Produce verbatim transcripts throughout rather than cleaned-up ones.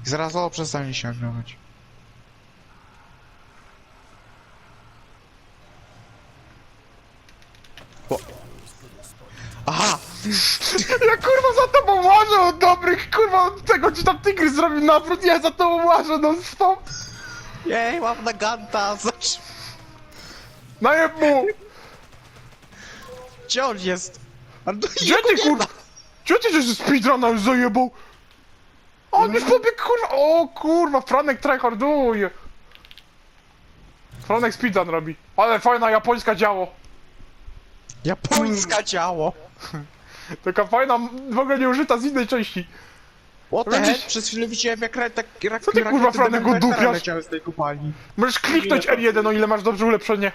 Zaraz o, przestanie się nagrywać. Bo... Aha! Ja kurwa za tobą łażę od dobrych, kurwa od tego ci tam tygrys zrobił nawrót, ja za tobą łażę non stop. Jej, mam na ganta! Zacz... Najeb mu! Gdzie on jest? Ale to Gdzie jego ty nie kurwa? ma. Gdzie ty że speedruna już zajebał? On już pobiegł kurwa, o kurwa, Franek tryharduje. Franek speedrun robi, ale fajna japońska działo. Japońska działo! Taka fajna, w ogóle nieużyta z innej części. What the Widzisz? heck? Przez chwilę widziałem jak, ra tak, rak Co ty, kurwa, rakiety Franek, do Dementera oddupiasz? leciały z tej kopalni. Możesz kliknąć R jeden, o ile masz dobrze ulepszenie.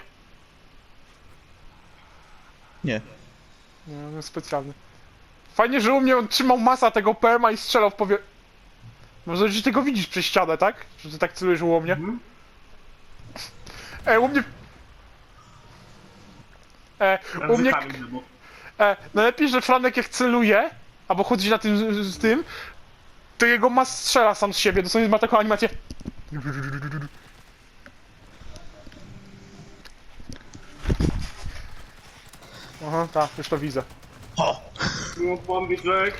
Nie. Nie, on jest specjalny. Fajnie, że u mnie on trzymał masa tego P M a i strzelał w powie... Może, że ty go widzisz przez ścianę, tak? Że ty tak celujesz u mnie? Mhm. E, u mnie... E, u mnie... E, najlepiej, że Franek jak celuje, albo chodzi na tym z, z tym, to jego mas strzela sam z siebie, dosłownie ma taką animację. Aha, tak, już to widzę. O! No, pombiczek.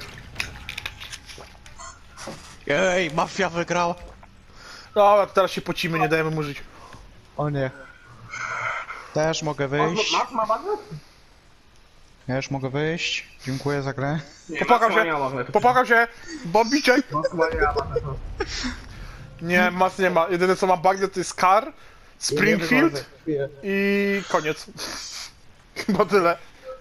Jej, mafia wygrała. Dobra, to teraz się pocimy, nie dajemy mu żyć. O nie. Też mogę wyjść. Max ma magnet? Też mogę wyjść. Dziękuję za grę. Nie, Popłakał Max ma się, nie ma magnetu. popłakał się, bombiczek. Max ma nie ma magnetu. Nie, mas nie ma. Jedyne co ma bagnet to jest Car, Springfield i koniec. Chyba tyle.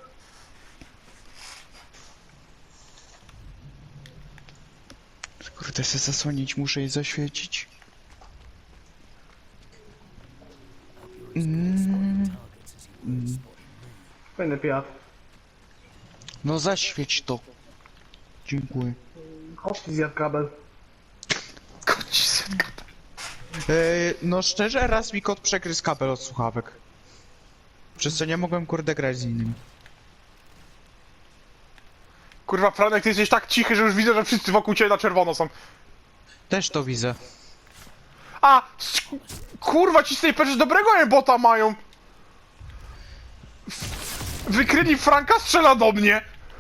Kurde, chcę zasłonić, muszę jej zaświecić. Mm. Mm. Fajny piat. No zaświeć to. Dziękuję. Chodź, zjadł kabel. Koniec. Eee, no szczerze, raz mi kot przegryzł kabel od słuchawek. Przez co nie mogłem kurde grać z innymi. Kurwa, Franek, ty jesteś tak cichy, że już widzę, że wszyscy wokół ciebie na czerwono są. Też to widzę. A! s- Kurwa, ci snajperzy dobrego aimbota mają! Wykryli Franka, strzela do mnie!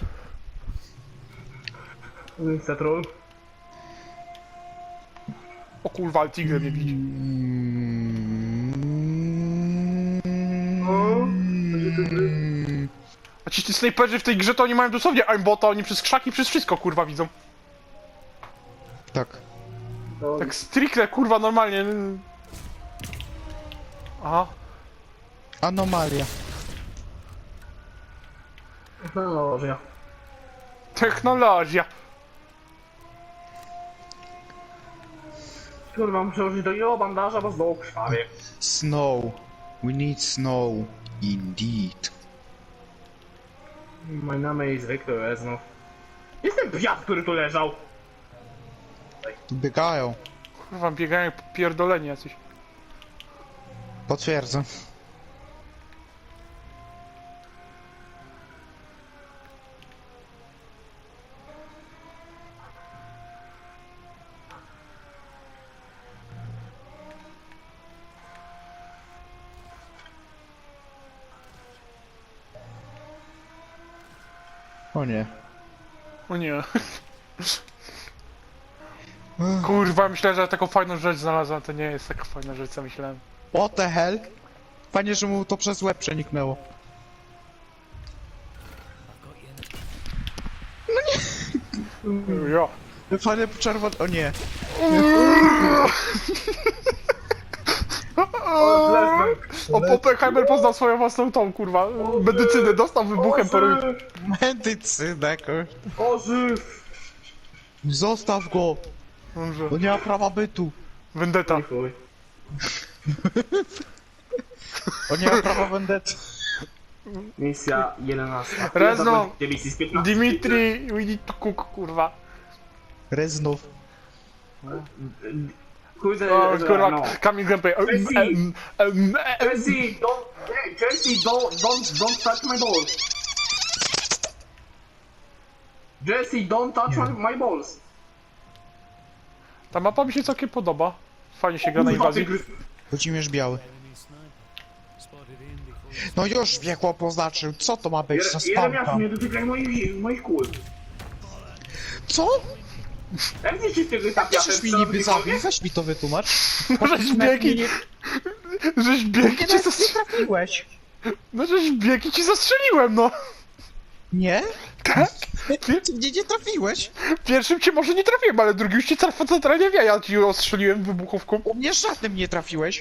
Cetrol. O kurwa, ale Tigre mnie widzi. A ci snajperzy w tej grze to oni mają dosłownie aimbota, oni przez krzaki, przez wszystko kurwa widzą. Tak. Tak stricte kurwa normalnie. Aha. Anomalia. Technologia. Technologia. Kurwa, muszę użyć do jo bandaża, bo znowu krwawie. Snow. We need snow. Indeed. My name is Victor Reznov. Jest ten piat, który tu leżał. Biegają. Kurwa, biegają jak pierdoleni jacyś. Potwierdzam. O nie. O nie. Kurwa, myślę, że taką fajną rzecz znalazłem, to nie jest taka fajna rzecz, co myślałem. What the hell? Panie, że mu to przez łeb przeniknęło. Jo. Panie czerwony... O nie. O, Oppenheimer poznał swoją własną tą, kurwa, medycynę, dostał wybuchem po ryju. Medycyna, kur... Ożyw! Zostaw go! Dobrze. On nie ma prawa bytu. Vendetta. Chuj. On nie ma prawa vendetta. Misja jedenasta. Reznov. Misji z piętnastki. Dimitri, we need to cook, kurwa. Reznów. Chuj za... O, za- kurwa, no. Kamil Gameplay. Um, Jesse. um, um, um, Jesse, don't... Hey, Jesse, don't, don't, don't touch my balls. Jesse, don't touch my, my balls. Ta mapa mi się całkiem podoba. Fajnie się gra na Kurwa, inwazji. tygrys. Włodzimierz Biały. No już wieku poznaczył, co to ma być za Jere- Jeremiaszu, spamka? nie dotykaj moich, moich kul. Co? Jak nie się tygrysa Jak chcesz mi niby zabił? Weź mi to wytłumacz. Żeś bieg i... Nie, Żeś bieg i cię nie zastrzeliłem. trafiłeś. No żeś bieg i ci zastrzeliłem, no. Nie? Tak? Ty mnie nie trafiłeś. Pierwszym cię może nie trafiłem, ale drugim już cię traf- centralnie wie, ja ci ostrzeliłem wybuchówką. U mnie żadnym nie trafiłeś.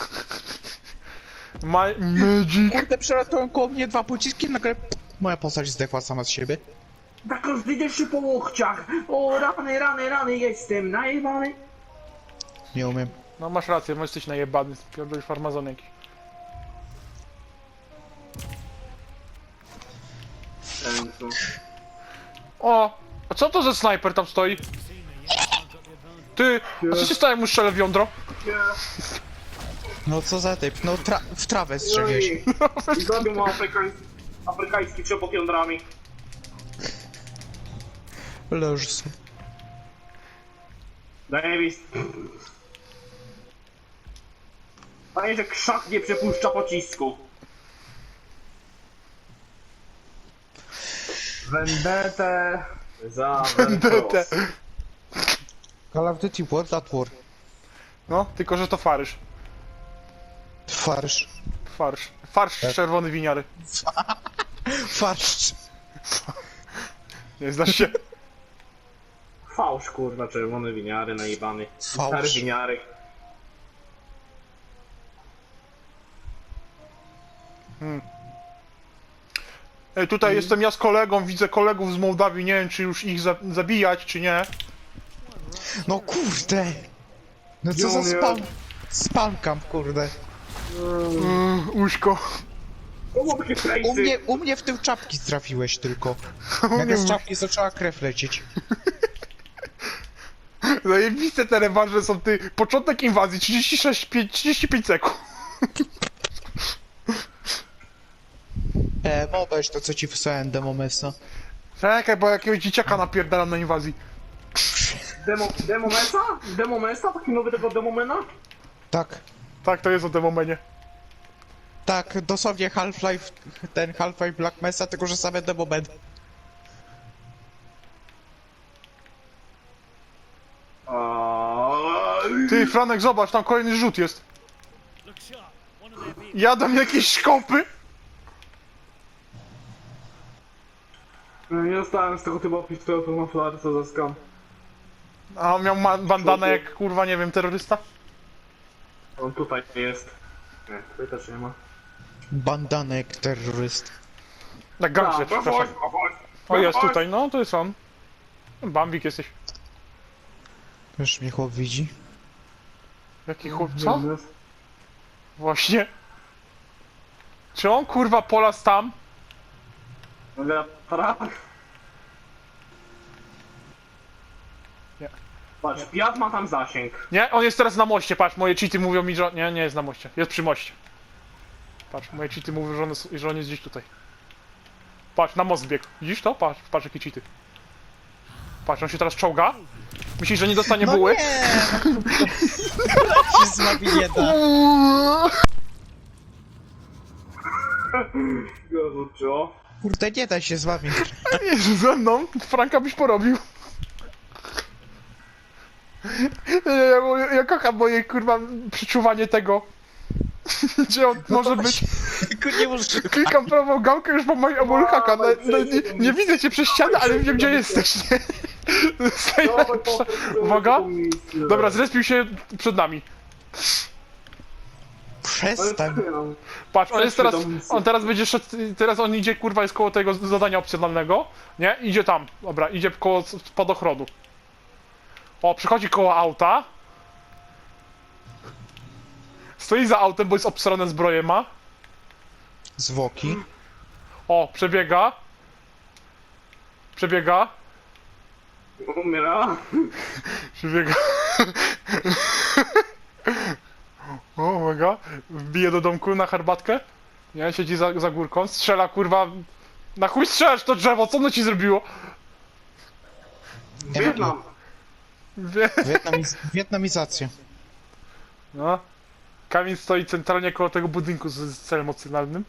My magic. Kurde, przelatują koło mnie dwa pociski, nagle moja postać zdechła sama z siebie. Tak rozdydziesz się po łokciach. O, rany, rany, rany, jestem najebany. Nie umiem. No masz rację, możesz jesteś najebany, pierdolisz farmazon jakiś. Sensu. O! A co to za snajper tam stoi? Ty! A co się stało, jak mu strzelę w jądro? Nie. No co za typ? No tra w trawę strzeliłeś. I zabił mu afrykański, afrykański trzepot jądrami. Leż sobie. Davis. Panie, że krzak nie przepuszcza pocisku. Vendetę za Vendetę. Call of Duty World at War. No, tylko że to farysz. Farsz. Farsz. Farsz czerwony winiary. Farsz. Nie znasz się? Fałsz, kurwa, czerwone winiary, najebany. Fałsz. Stary winiary. Ej, tutaj jestem ja z kolegą, widzę kolegów z Mołdawii, nie wiem czy już ich za zabijać, czy nie. No kurde. No co Jo, za nie. spam. Spamkam, kurde. Yy, Uśko. O, takie U frejsy. mnie, u mnie w tył czapki trafiłeś tylko. Nagle z czapki zaczęła krew lecieć. Zajebiste te rewanże są, ty. Początek inwazji, trzydzieści sześć, pięć, trzydzieści pięć sekund. E, no weź to co ci wysłałem demomesa. Czekaj, bo jakiegoś dzieciaka napierdalam na inwazji. Demo, demo Mesa? Demo Mesa? Taki nowy tego Demomena? Tak. Tak, to jest o demomenie. Tak, dosłownie Half-Life, ten Half-Life Black Mesa, tylko że same demomen. Ty, Franek, zobacz, tam kolejny rzut jest. Jadą jakieś szkopy. Nie dostałem z tego typu pistoletu na flary, co za skam. A on miał ma- bandanę jak, kurwa, nie wiem, terrorysta? On tutaj jest. Nie, tutaj też nie ma. Bandanek terroryst. Na gangster, A, przepraszam. chodź, chodź. O, jest tutaj, no, to jest on. Bambik jesteś. Już mnie chłop widzi. Jaki chłop, co? Właśnie. Czy on, kurwa, polas tam? Wiatra. Nie. Patrz, Piat ma tam zasięg. Nie, on jest teraz na moście, patrz, moje cheaty mówią mi, że... Nie, nie jest na moście, jest przy moście. Patrz, moje cheaty mówią, że on jest, że on jest gdzieś tutaj. Patrz, na most biegł. Widzisz to? Patrz, patrz jakie cheaty. Patrz, on się teraz czołga. Myślisz, że nie dostanie No buły? nie! No, się z wami nie da. Co? Kurde, nie da się z wami. Jezu, ze mną? Franka byś porobił. Ja, ja, ja kocham moje, kurwa, przeczuwanie tego. Gdzie on może być. Tylko nie możesz... Klikam prawą gałkę, już mam moje haka. No, no, nie, nie widzę cię przez ścianę, ale wiem gdzie jesteś, nie? To jest najlepsze. Uwaga. Dobra, zrespił się przed nami. Przestań. Patrz, on jest teraz, on teraz będzie szedł, teraz on idzie, kurwa, jest koło tego zadania opcjonalnego, nie? Idzie tam, dobra, idzie koło spadochronu. O, przychodzi koło auta. Stoi za autem, bo jest obsrane zbroje ma. Zwłoki. O, przebiega. Przebiega. Umiera. Przebiega. O, uwaga. Wbije do domku na herbatkę. Nie, siedzi za, za górką. Strzela, kurwa. Na chuj strzelasz to drzewo, co ono ci zrobiło? Wietnam. Wie... Wietnamiz wietnamizacja. No. Kamil stoi centralnie koło tego budynku z, z celem opcjonalnym.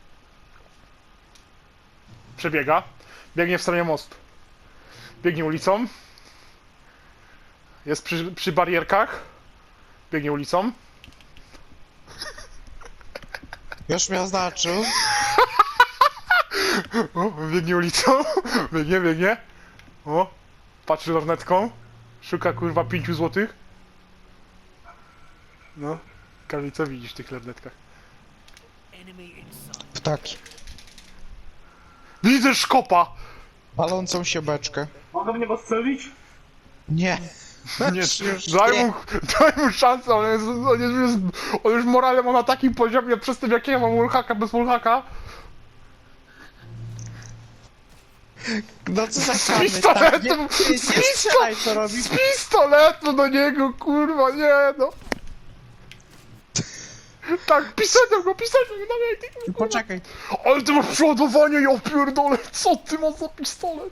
Przebiega. Biegnie w stronę mostu. Biegnie ulicą. Jest przy, przy barierkach. Biegnie ulicą. Już mnie oznaczył. O, biegnie ulicą. Biegnie, biegnie. O, patrzy lornetką. Szuka kurwa pięciu złotych. No. Kamil, co widzisz w tych lornetkach? Ptaki. Widzę szkopa! Palącą się beczkę. Mogę w niego strzelić? Nie. Nie, Już daj nie. mu, daj mu szansę, on, jest, on, jest, jest, on już morale ma na takim poziomie przez tym jak ja mam wallhacka bez wallhacka. No co za Z kamy, pistoletem! tak, nie, Z nie, nie pisto- strzelaj, co robi. Z pistoletu do niego, kurwa, nie no! Tak, pistoletem go, pistoletem go, dawaj, ty, kurwa. Poczekaj. Ale ty masz przeładowanie, ja pierdolę, co ty masz za pistolet?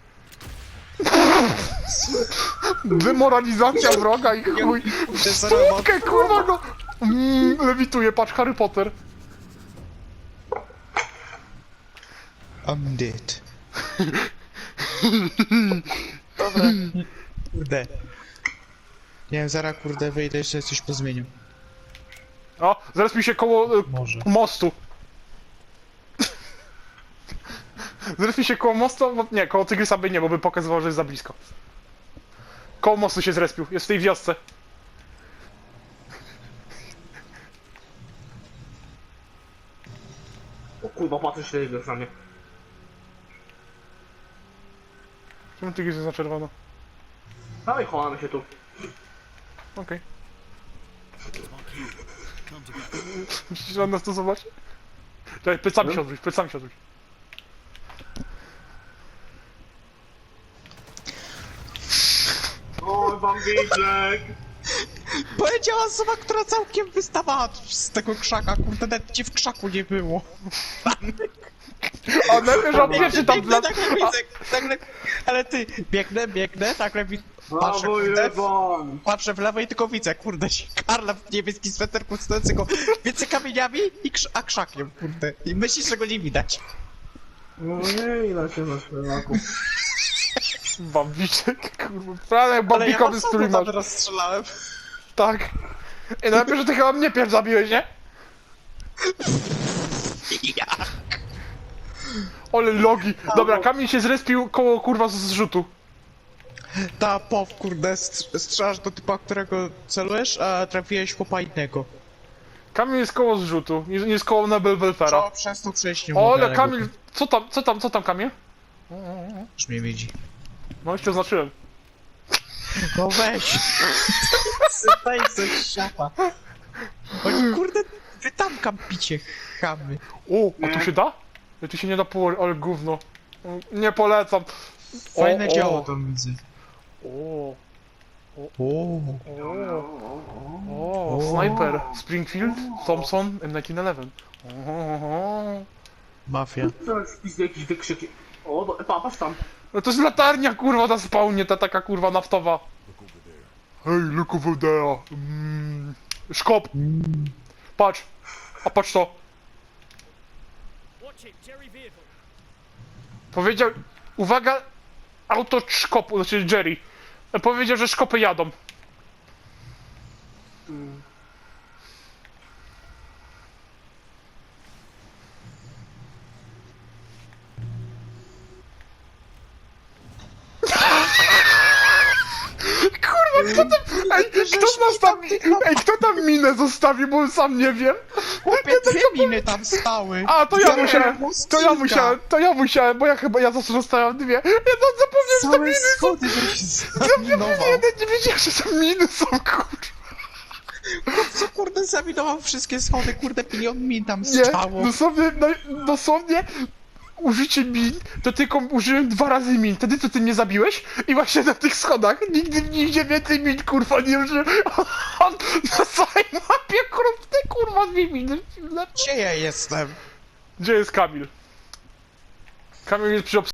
Demoralizacja wroga i chuj. W stópkę, kurwa go! Mm, lewituje, patrz, Harry Potter. I'm dead. Dobra. Kurde. Nie wiem, zaraz kurde wyjdę, jeszcze coś pozmieniam. O, zaraz mi się koło e, Może. mostu. Zaraz mi się koło mostu, no, nie, koło Tygrysa by nie, bo by pokazywał, że jest za blisko. Koło mostu się zrespił, jest w tej wiosce. O kurwa, patrzę się tego na mnie. Czemu Tygrys jest na czerwono? Dawaj, chowamy się tu. Okej. Myślisz, że on nas to zobaczy? Czekaj, plecami się odwróć, plecami się odwróć. Oj, bambiczek! Powiedziała osoba, która całkiem wystawała z tego krzaka, kurde, nawet cię w krzaku nie było. A najpierw on pierwszy tam Biegnę, dla... nagle widzę, nagle... Ale ty, biegnę, biegnę, nagle widzę, patrzę, Brawo, kurde, w- Jeban! patrzę w lewo i tylko widzę, kurde, Karla w niebieskim sweterku stojącego między kamieniami i krz a krzakiem, kurde. I myślisz, że go nie widać. No nie, ile się na szpelaku. Bambiczek, kurwa, prawie Ale ja bambikowy was strój tam masz. rozstrzelałem. Tak. I najpierw, że ty chyba mnie pierw zabiłeś, nie? Ja. Ole logi. Dobra, Kamil się zrespił koło kurwa z zrzutu. Ta pow, kurde, str- strzelasz do typa, którego celujesz, a trafiłeś chłopa innego. Kamil jest koło zrzutu, nie jest koło Nebel Welfera. Co? Przez to przejść nie O, mogę, ale Kamil, co tam, co tam, co tam Kamil? Już mnie widzi. No już cię oznaczyłem. No weź! Sypaj coś siapa. Oni kurde, wy tam kampicie, chamy. O, a tu się da? Ja tu się nie da położyć, ale gówno. Nie polecam. Fajne o, działo o, tam widzę. O, O, o, o, Sniper, Springfield, Thompson, M nineteen eleven. O, o, o. mafia. Co jest spis jakieś wykrzyki? O, do, pa, patrz tam. No to jest latarnia kurwa na spawnie, ta taka kurwa naftowa. Hej, look over there. Mm. Szkop. Patrz. A patrz to. Powiedział... Uwaga! Auto szkopu, znaczy Jerry. Powiedział, że szkopy jadą. Kurwa, kto tam... Ej, kto z nas tam... Ej, kto tam minę zostawił, bo sam nie wiem. Chłopie, dwie miny tam stały. A, to ja Całe musiałem, to ja kilka. musiałem, to ja musiałem, bo ja chyba, ja zawsze zostawiam dwie. Ja to zapomniałem, że to Całe miny są. schody, żeś zaminował. Ja nawet nie wiedziałem, że to miny są, kurwa. Co kurde zaminował wszystkie schody, kurde, milion min tam Nie, stało. dosłownie, no, dosłownie, użycie min, to tylko użyłem dwa razy min. Wtedy co ty mnie zabiłeś i właśnie na tych schodach nigdy nigdzie więcej min, kurwa, nie użyłem. On na całej mapie, kurwa, te kurwa dwie miny. Gdzie ja jestem? Gdzie jest Kamil? Kamil jest przy